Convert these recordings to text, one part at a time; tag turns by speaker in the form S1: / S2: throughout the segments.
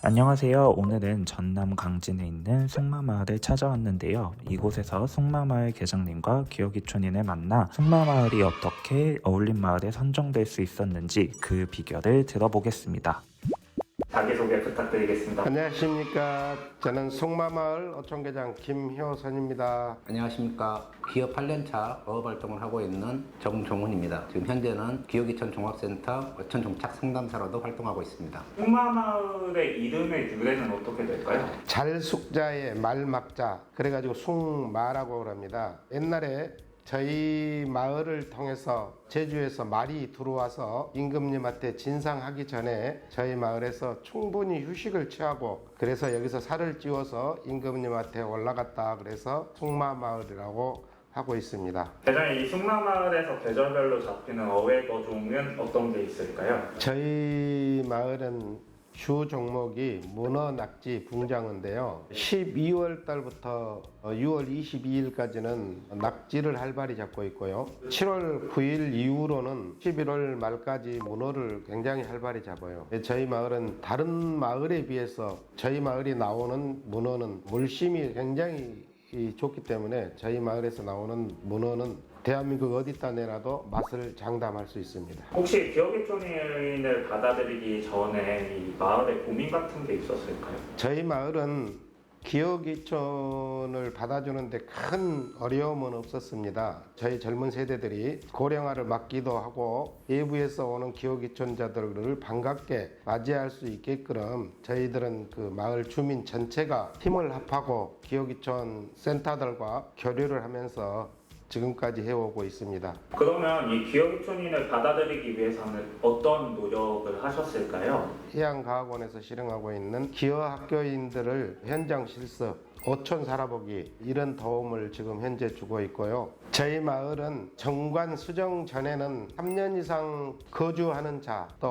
S1: 안녕하세요. 오늘은 전남 강진에 있는 송마마을에 찾아왔는데요. 이곳에서 송마마을 계장님과 기어기촌인을 만나 송마마을이 어떻게 어울림 마을에 선정될 수 있었는지 그 비결을 들어보겠습니다. 자기소개 부탁드리겠습니다.
S2: 안녕하십니까. 저는 송마마을 어촌계장 김효선입니다.
S3: 안녕하십니까. 기업 8년차 어업활동을 하고 있는 정종훈입니다. 지금 현재는 기업이천 종합센터 어촌정착 상담사로도 활동하고 있습니다.
S1: 송마마을의 이름의 유래는 어떻게 될까요?
S2: 잘숙자의 말막자, 그래가지고 숭마라고 합니다. 옛날에 저희 마을을 통해서 제주에서 말이 들어와서 임금님한테 진상하기 전에 저희 마을에서 충분히 휴식을 취하고, 그래서 여기서 살을 찌워서 임금님한테 올라갔다, 그래서 숭마마을이라고 하고 있습니다.
S1: 계장님, 이 송마마을에서 계절별로 잡히는 어획어종은 어떤 게 있을까요?
S2: 저희 마을은 주 종목이 문어, 낙지, 붕장어인데요. 12월 달부터 6월 22일까지는 낙지를 활발히 잡고 있고요. 7월 9일 이후로는 11월 말까지 문어를 굉장히 활발히 잡아요. 저희 마을은 다른 마을에 비해서 저희 마을이 나오는 문어는 물심이 굉장히 좋기 때문에 저희 마을에서 나오는 문어는 대한민국 어디다 내놔도 맛을 장담할 수 있습니다.
S1: 혹시 기어기촌인을 받아들이기 전에 이 마을에 고민 같은 게 있었을까요?
S2: 저희 마을은 기어기촌을 받아주는데 큰 어려움은 없었습니다. 저희 젊은 세대들이 고령화를 막기도 하고 외부에서 오는 기어기촌자들을 반갑게 맞이할 수 있게끔 저희들은 그 마을 주민 전체가 힘을 합하고 기어기촌 센터들과 교류를 하면서 지금까지 해오고 있습니다.
S1: 그러면 이 기어기촌인을 받아들이기 위해서는 어떤 노력을 하셨을까요?
S2: 해양과학원에서 실행하고 있는 기어학교인들을 현장 실습, 어촌 살아보기 이런 도움을 지금 현재 주고 있고요. 저희 마을은 정관 수정 전에는 3년 이상 거주하는 자, 또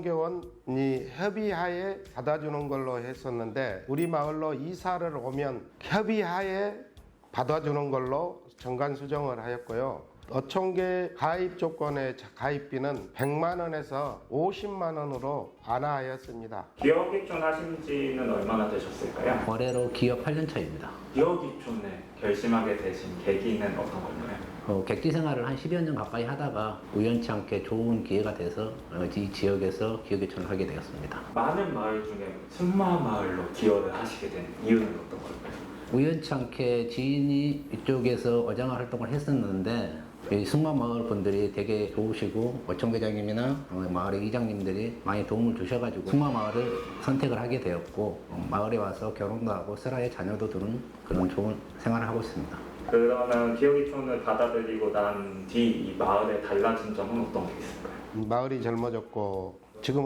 S2: 어촌교원이 협의하에 받아주는 걸로 했었는데, 우리 마을로 이사를 오면 협의하에 받아주는 걸로 정관 수정을 하였고요. 어촌계 가입 조건의 가입비는 100만 원에서 50만 원으로 완화하였습니다.
S1: 기어기촌 하신 지는 얼마나 되셨을까요?
S3: 올해로 기업 8년차입니다.
S1: 기어기촌을 결심하게 되신 계기는 어떤 건가요?
S3: 객지 생활을 한 10여 년 가까이 하다가 우연치 않게 좋은 기회가 돼서 이 지역에서 기업이천을 하게 되었습니다.
S1: 많은 마을 중에 송마마을로 기여를 하시게 된 이유는 어떤 걸까요?
S3: 우연치 않게 지인이 이쪽에서 어장화 활동을 했었는데 이 승마마을 분들이 되게 좋으시고 어촌계장님이나 마을의 이장님들이 많이 도움을 주셔가지고 승마마을을 선택을 하게 되었고, 마을에 와서 결혼도 하고 슬하에 자녀도 두는 그런 좋은 생활을 하고 있습니다.
S1: 그러면 기어기촌을 받아들이고 난 뒤 이 마을에 달라진 점은 어떤 게 있을까요?
S2: 마을이 젊어졌고, 지금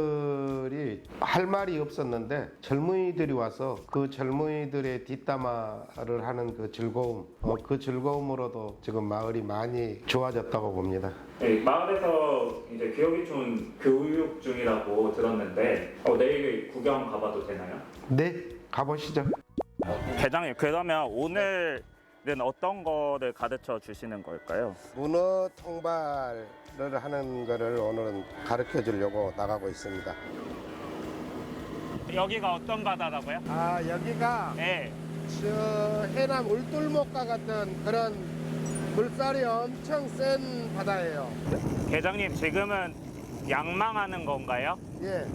S2: 어른들이 할 말이 없었는데 젊은이들이 와서 그 젊은이들의 뒷담화를 하는 그 즐거움, 그 즐거움으로도 지금 마을이 많이 좋아졌다고 봅니다.
S1: 네, 마을에서 이제 기어기촌 교육 중이라고 들었는데 내일 구경 가봐도 되나요?
S2: 네, 가보시죠.
S4: 계장님, 그러면 오늘은 어떤 거를 가르쳐 주시는 걸까요?
S2: 문어 통발을 하는 거를 오늘은 가르쳐 주려고 나가고 있습니다.
S4: 여기가 어떤 바다라고요?
S2: 여기가
S4: 네.
S2: 저 해남 울돌목과 같은 그런 물살이 엄청 센 바다예요.
S4: 계장님, 지금은 양망하는 건가요?
S2: 예.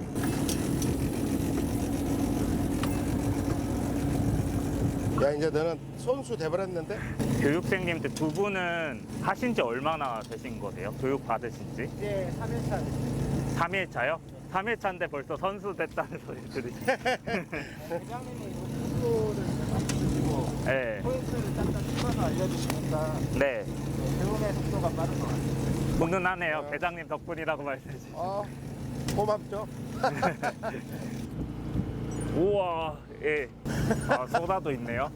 S2: 야, 이제 너는 손수 돼버렸는데?
S4: 교육생님들 두 분은 하신 지 얼마나 되신 거세요? 교육 받으신 지?
S2: 예, 3일차.
S4: 3일차요? 3일차인데 벌써 선수 됐다는 소리 들으시죠?
S2: 회장님이 공부를 해주시고
S4: 네.
S2: 포인트를 짝짝 찝어서 알려주시니까
S4: 네.
S2: 배움의 속도가 빠른 것 같아요.
S4: 훈훈하네요. 계장님 덕분이라고 말씀해 주시죠.
S2: 고맙죠?
S4: 우와, 예. 소다도 있네요.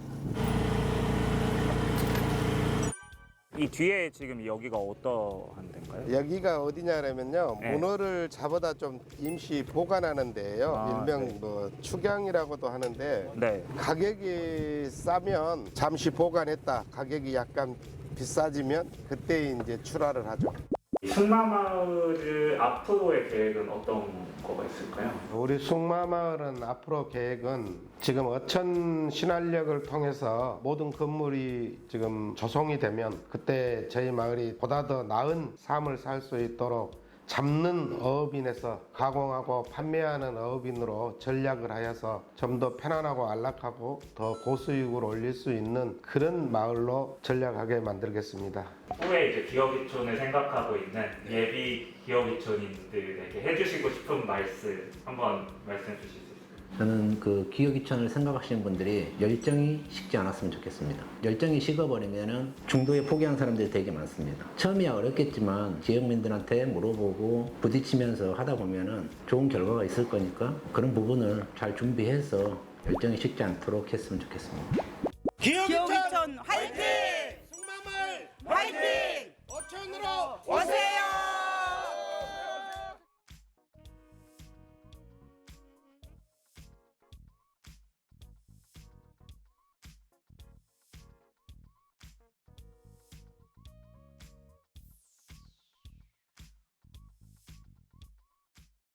S4: 이 뒤에 지금 여기가 어떠한 데인가요?
S2: 여기가 어디냐면요,
S4: 네.
S2: 문어를 잡아다 좀 임시 보관하는 데예요. 일명
S4: 네.
S2: 뭐 축양이라고도 하는데,
S4: 네.
S2: 가격이 싸면 잠시 보관했다, 가격이 약간 비싸지면 그때 이제 출하를 하죠.
S1: 승마마을 앞으로의 계획은 어떤 거가 있을까요?
S2: 우리 숭마마을은 앞으로 계획은 지금 어천 신활역을 통해서 모든 건물이 지금 조성이 되면 그때 저희 마을이 보다 더 나은 삶을 살 수 있도록 잡는 어업인에서 가공하고 판매하는 어업인으로 전략을 하여서 좀 더 편안하고 안락하고 더 고수익을 올릴 수 있는 그런 마을로 전략하게 만들겠습니다.
S1: 후에 이제 기업이촌을 생각하고 있는 예비 기업이촌인들에게 해주시고 싶은 말씀 한번 말씀해 주실 수 있을까요?
S3: 저는 그 기업이천을 생각하시는 분들이 열정이 식지 않았으면 좋겠습니다. 열정이 식어버리면은 중도에 포기한 사람들이 되게 많습니다. 처음이야 어렵겠지만 지역민들한테 물어보고 부딪히면서 하다 보면은 좋은 결과가 있을 거니까 그런 부분을 잘 준비해서 열정이 식지 않도록 했으면 좋겠습니다.
S5: 기업이천 화이팅! 승마마을 화이팅! 어촌으로 오세요!